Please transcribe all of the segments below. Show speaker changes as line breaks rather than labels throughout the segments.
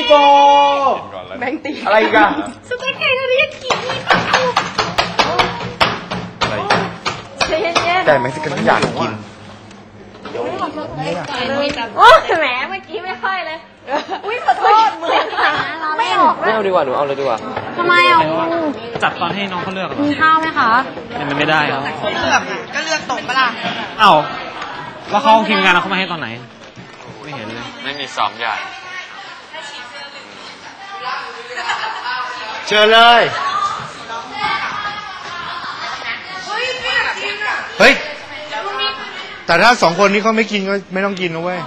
โก
แบงตี
อะไรอีกอะ
สเต็กไก่ทะเลกิน
อะไร
แต่เม็กซิกันไม่อยากกิน
โอ้แหมเมื่อกี้ไม่ค่อยเลยอุ้ยขอโทษเหมือนไม่ออก
ไม่เอาดีกว่าหนูเอาเลยดีกว่า
ทำไมอ่ะ
จับตอนให้น้องเขาเลือกเหรอ
มีข้าวไหมคะ
มันไม่ได้ครับ
เลือกก็เลือกตกปะล่ะ
เอ้าแล้วเขาทีมงานเขามาให้ตอนไหนไม่เห็นเลย
ไม่มีซ้อมใหญ่เชิญเลยเฮ้ยแต่ถ้าสองคนนี้เขาไม่กินก็ไม่ต้องกินนะเว้ย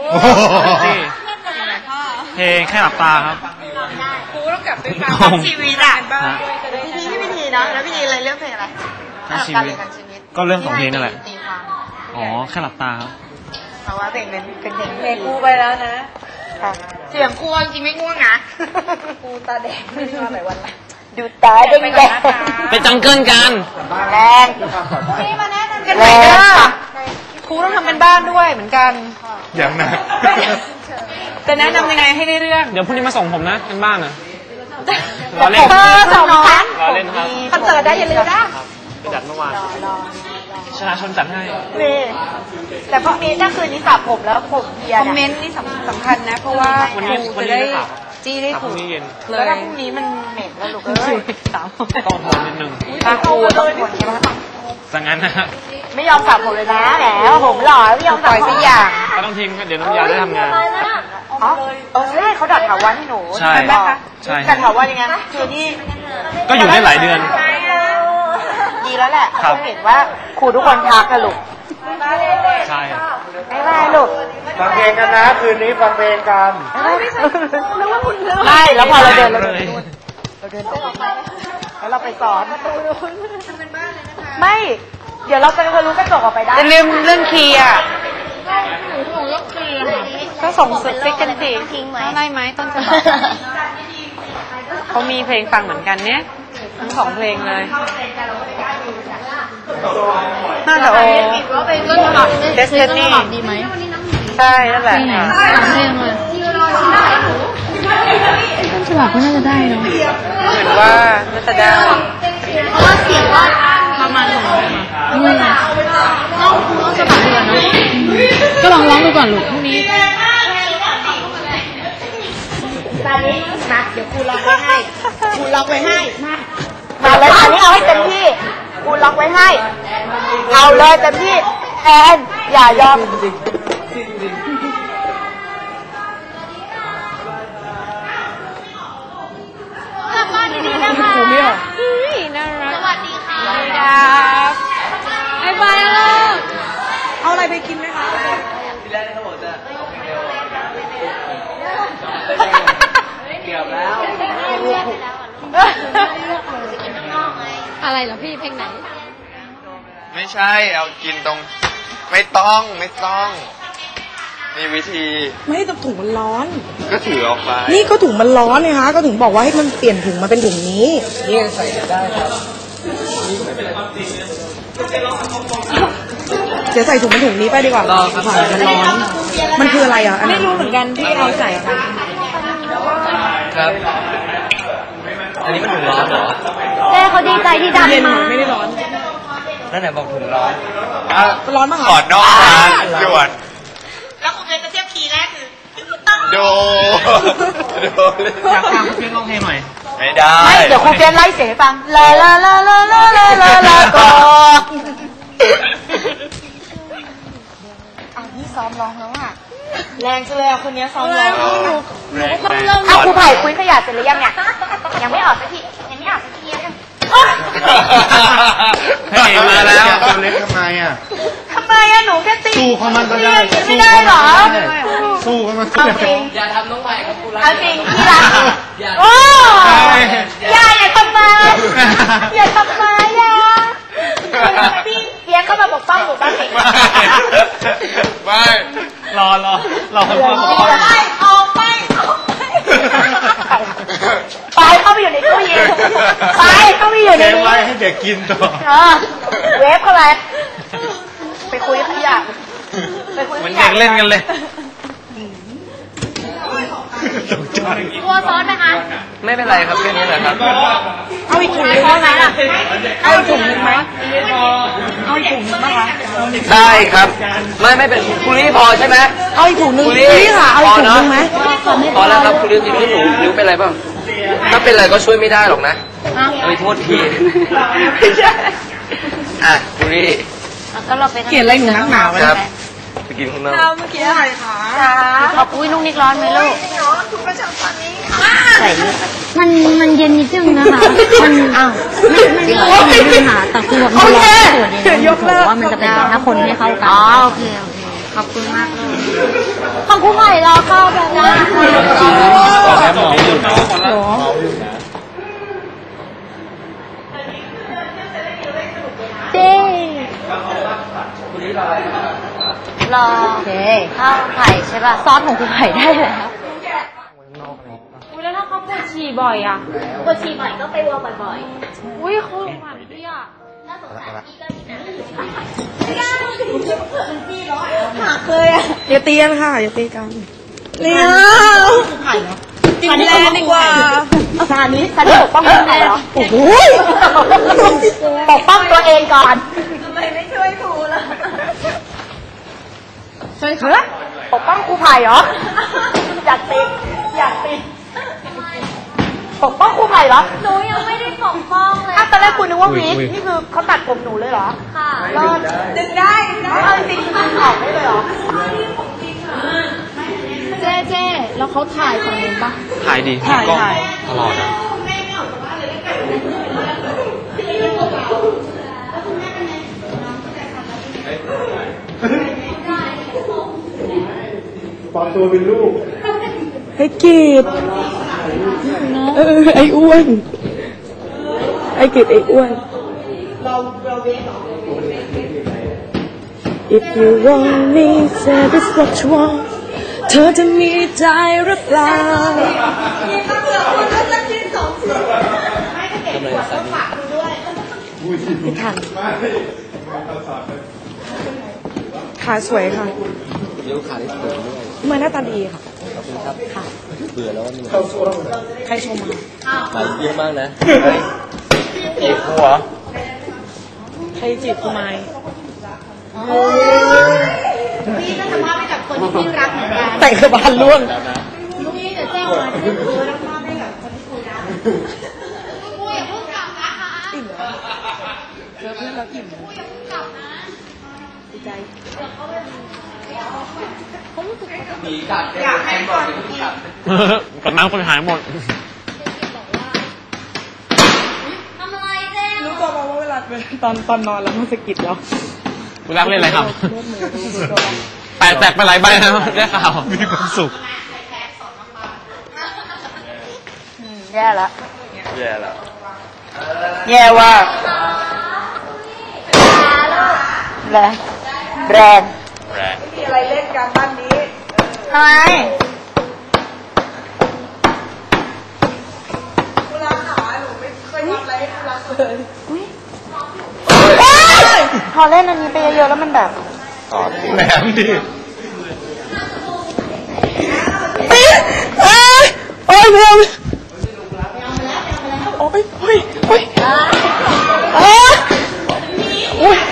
เพลงแค่หลับตาครับ
ครูต้องกลับไปฟังชีวิตอ่ะที่พิธีนะแล้วพิธีอะไรเรื่องเพลงอะไร
การชีวิตก็เรื่องของเพลงนั่นแหละอ๋อแค่หลับตาครับ
เพราะว่าเพลงเป็นเพลง
ครูไปแล้วนะ
เสียงครูจริงไม่ง่วงนะ
ครูตาแดงไม่ได้มาหลายวันละ
ดูตาแดง
ไปจังเกิลกัน
แรง
นี่มาแนะนำ
กันไหนเด้อครูต้องทำเป็นบ้านด้วยเหมือนกัน
อย่างหนัก
จะแนะนำยังไงให้ได้เรื่อง
เดี๋ยวพรุ่งนี้มาส่งผมนะเป็นบ้านนะ
รอเล่น
สองครั้ง
รอเล่นครับ
คอนเสิร์ตได้อย่าลืมนะ
ไปจัดเมื่อวานชนะชนจัดให้
นี่แต่พรุ่งนี้ถ้าคืนนี้สระผมแล้วผมเพียร์คอมเมนต์นี่สำคัญนะเพราะว่าครูจะได้จี้ได้ถูกแล้วถ้าพรุ่งนี้มันเหม็นแล้วลูกเอ้ย
ต้องทนนิดนึง
ถ้าครูต้องทนใช่ไหม
สังงั้นนะ
ไม่ยอมสระผมเลยนะแหมผมหล่อไม่ยอมสระสักอย่าง
ก็ต้องทิ้งเดี๋ยวน้ำยาได้ทำงาน
อ๋อใช่เขาดัดถาวรให้หนู
ใช่
ไหมคะ
ใช่
ดัดถาวรยังไงคือที่
ก็อยู่ได้หลายเดือน
ดีแล้วแหละเขาเห็นว่าครูทุกคนทักกันลูก
ใช่
ไม่ได้ลูก
ฟังเพลงกันนะคืนนี้ฟังเพลงกัน
ไม่แล้วพอเราเดินต่อแล้วเราไปสอนไม่เดี๋ยวเราจะรู้กระจกออกไปได้จะลืมเรื่องคีย์อ่ะก็ส่งซิกกันสิได้ไหมต้นฉบับเขามีเพลงฟังเหมือนกันเนี่ยทั้งสองเพลงเลยน่าจะโอ้เดสตินีดีไหมใช่นั่นแหละ
เพลงเลยต้นฉบับก็น่าจะได้เนาะ
เห็นว่าน่าจะได้
เพราะว่าเสียงว่าประมาณไม่ต้องฉบับเดือนนะก็ลองร้องดูก่อนลูกพรุ่งนี้
ตอนนี้มาเดี๋ยวครูล็อกไว้ให้ครูล็อกไว้ให้มาเลยอันนี้เอาให้เต็มที่ครูล็อกไว้ให้เอาเลยเต็มที่แอนอย่ายอม
กลับบ้านดีๆนะคะ
น่ารัก
สวัสดีค่ะบ๊ายบายลูก
เอาอะไรไปกินไหมคะ
เกี่ยวแล้ว
อะไรเหรอพี่เพลงไหน
ไม่ใช่เอากินตรงไม่ต้องมีวิธี
ไม่ให้ถุงมันร้อน
ก็ถือออกไป
นี่ก็ถุงมันร้อนไงคะก็ถึงบอกว่าให้มันเปลี่ยนถุงมาเป็นถุงนี้
นี่ใส่ได้ครับ
เดี๋ยวใส่ถุงมันถุงนี้ไปดีกว่าผ่านมันร้อนมันคืออะไรอ่ะ
ไม่รู้เหมือนกันที่เอาใส่
ครับอันนี้มันถุงร้อนเหรอ
แม่เขาดีใจที่ดันมา
ไม่ได้ร้อน
นั่นไหนบอกถุงร้อน
ร้อนมาก
ขอนอกร้านด่วน
แล้วคุณจะเทียบคีย์แรกคือ
อยากฟังเพื่อนร้องเพลงหน่อย
ไม่ได้
เดี๋ยวครูเปียนไล่เสียงให้ฟังลาลาลาลาลาลาลาลาก่อนนี่ซ้อมร้องแล้วอ่ะแรงจังเลยอ่ะคนนี้ซ้อมร้องเอาครูไผ่คุยขยะเสร็จหรือยังเนี่ยยังไม่ออกสักที
เฮ้ยมาแล้ว
ตัวเล็กทำไมอ่ะ
หนูแค่ตี
สู้เขามันก็ได้
ไม่ได้หรอ
สู้เขามัน
เอาจริงอย่าทำน้องใหม่กับกูรักเอาจริงที่รักโอ้อย่าทำมาอย่าทำมาพี่เพียงเข้ามาปกป้องหนูบ้างสิ
ไม่
รอคนพ่อ
ออกไปเข้าไปอยู่ในตู้เย็นเข้าไปอยู่ในนี้
ไว้ให้เด็กกินต่อ
เวฟเข้าไปไปคุยกับพี่อะ
มันเด็กเล่นกันเลย
ตกใจ
กลัวซ้อนไหมคะ
ไม่เป็นไรครับแค่นี้แหละครับ
เอาอีกถุงนึงไหมล่ะเอาอีกถุงนึงไหมเอาอีกถุงนึงไหมคะ
ได้ครับ ไม่เป็นคุณลี่พอใช่ไหม
เอาอีกถุงนึงนี่ค่ะ เอาอีกถุงนึงไหม
พอแล้วครับคุณลี่จริงๆหนูนิ้วเป็นไรบ้างถ้าเป็นไรก็ช่วยไม่ได้หรอกนะโทษทีอ่ะคุณลี่
ก็เราไป
เขียนอะไรหนูนักหนาว
ครับไปกินข้างนอก
เมื่อกี้อะไรคะ
ขอบอุ้ยลูกนิกร้อนไหมลูกใส่มันเย็นนิดนึงนะคะมันไม่มีปัญหาแต่คือแบบมันร้อนส่วนเย็นว่ามันจะเป็นถ้าคนไม่เข้ากันโอเคขอบคุณมากเลยของครูใหม่รอเข้าแบบนั้นเด้รอข้าวไข่ใช่ป่ะซอสของครูไข่ได้แล้วแล้วถ้าเขาปวดฉี่บ่อยอ่ะปวดฉี่บ่อยก็ไปวัวบ่อยๆอุ้ยเขาลงมาพี่อ่ะ
หักเลยอ่ะอย่าตีกันค่ะอย่าตีกันเลี้ยวกินแรงดีกว่า
ซานี้ปกป้องตัวเองเหรอโอ้โหปกป้องตัวเองก่อนทำไมไม่ช่วยครูล่ะช่วยค่ะปกป้องครูไผ่เหรออยากติดปกป้องครูไผ่เหรอ
หนูยังไม่ได้ปกป้องเลย
ตอนแรกคุณนึกว่าวิกนี่คือเขาตัดผมหนูเลยเหรอ
ค่ะ
รอดดึงได้เอาจริงๆดึงออกได้เลยเหรอ
เจ๊แล้วเขาถ่ายฝั่งนู้นปะ
ถ่ายดี
ถ่าย
กล้อง
ถ่าย
ตลอดอ่ะ
ให้กีดไอ้อ้วนไอ้กีดไอ้อ้วน If you want me say this what you want เธอจะมีใจหรือเปล่าไม่ทันขาสวยค่ะเดี๋ยวขาได้สวยด้วยมาหน้าตาดีค่ะขอบคุณครับค่ะเบื่อแล้วนี่ใครชมมาหลายเยอะมากนะ
จีบหัว
ใครจีบกูไหม
พี่ก็ทำภาพให้กับคนที่พี่รักเหมือนกัน
แต่งกระบาลล่วง
ลูกนี่จะแจ้งมาที่ครูทำภาพให้กับคนที่ครูรักครูอย่าเพิ่งกลับนะคะ
อิ่มแล้วเพื่อนเราอิ่มดีใจ
อยากให้คนที่
กดน้ำคนหายหมด
ทำอะไรเจ๊
รู้ตัวว่าเวลาตอนนอนแล้วมันสะกิดเรา
คุณรักเล่นอะไรครับแตกไปหลายใบแล้วได้ข่าวมีความสุข
แย่ละ
แย่แล้ว
แย่ว่าแรง
แรง
มีอะไรเล่นกันบ้านนี้
ทำไม
กูรักขาหนูไม่เคยทำอะไรให้กูรักเลย
พอเล่นอันนี้ไปเยอะๆแล้วมันแบบ
แหมดิ
โอ้ยเพื่อนโอ้ยโอ้ยโอ้ยโอ้ย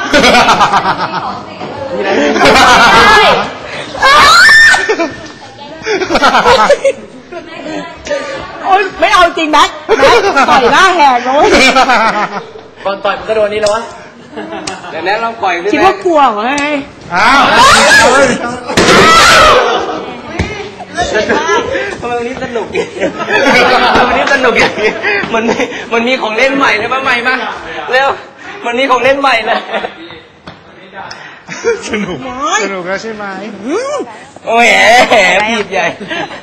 โอ้ยไม่เอาจริงแม็กต่อยหน้าแหกเลย
ก่อนต่อยมันก็โดนนี้แล้ววะเดี๋ยวนั้นลองปล่อยด้วย
คิดว่ากลัวเหรอไง
อ้าวทำไมวันนี้สนุกวันนี้สนุกอย่างนี้มันมีของเล่นใหม่เลยป่ะใหม่ป่ะเร็วมันมีของเล่นใหม่เลยสนุกแล้วใช่ไหมโอ้ยผิดใหญ่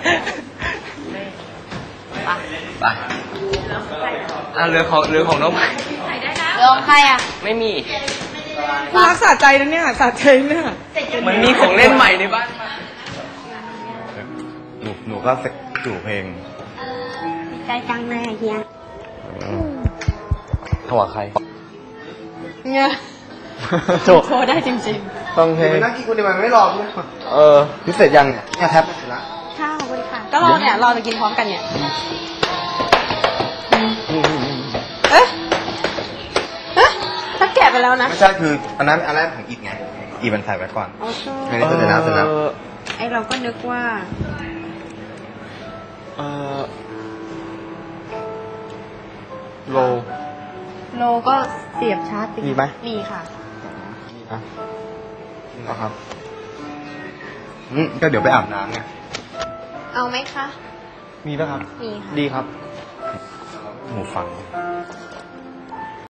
ไปเรือของน้องใหม่
ลองใครอ่ะ
ไม่มี
รักษาใจนะเนี่ยสาใจเนี่ย
มันมีของเล่นใหม่ในบ้าน
หนูก็จู่เพลง
ใจจังเลยเฮีย
ถวายใคร
เนี่ย
โจ
โชว์ได้จริง
ต้องเพลง
นั่งกินคนเดียวมันไม่รอพี่พิเศษยังเนี่ยแทบไปถึงละ
ข้าวบริการ
ก็รอเนี่ยรอจะกินพร้อมกันเนี่ยเอ๊ะถ้าแกะไปแล้วนะ
ไม่ใช่คืออันนั้นอันแรกของอีกไงอีมันใส่ไว้ก่อนอันนี้เสร็จแล้วเสร็จแล้ว
ไอเราก็นึกว่า
โล
โลก็เสียบชาร์จ
มีไหม
มีค่ะ
ครับก็เดี๋ยวไปอาบน้ำไง
เอาไหมคะ
มีป่ะครับ
มีค่ะ
ดีครับ
หูฟัง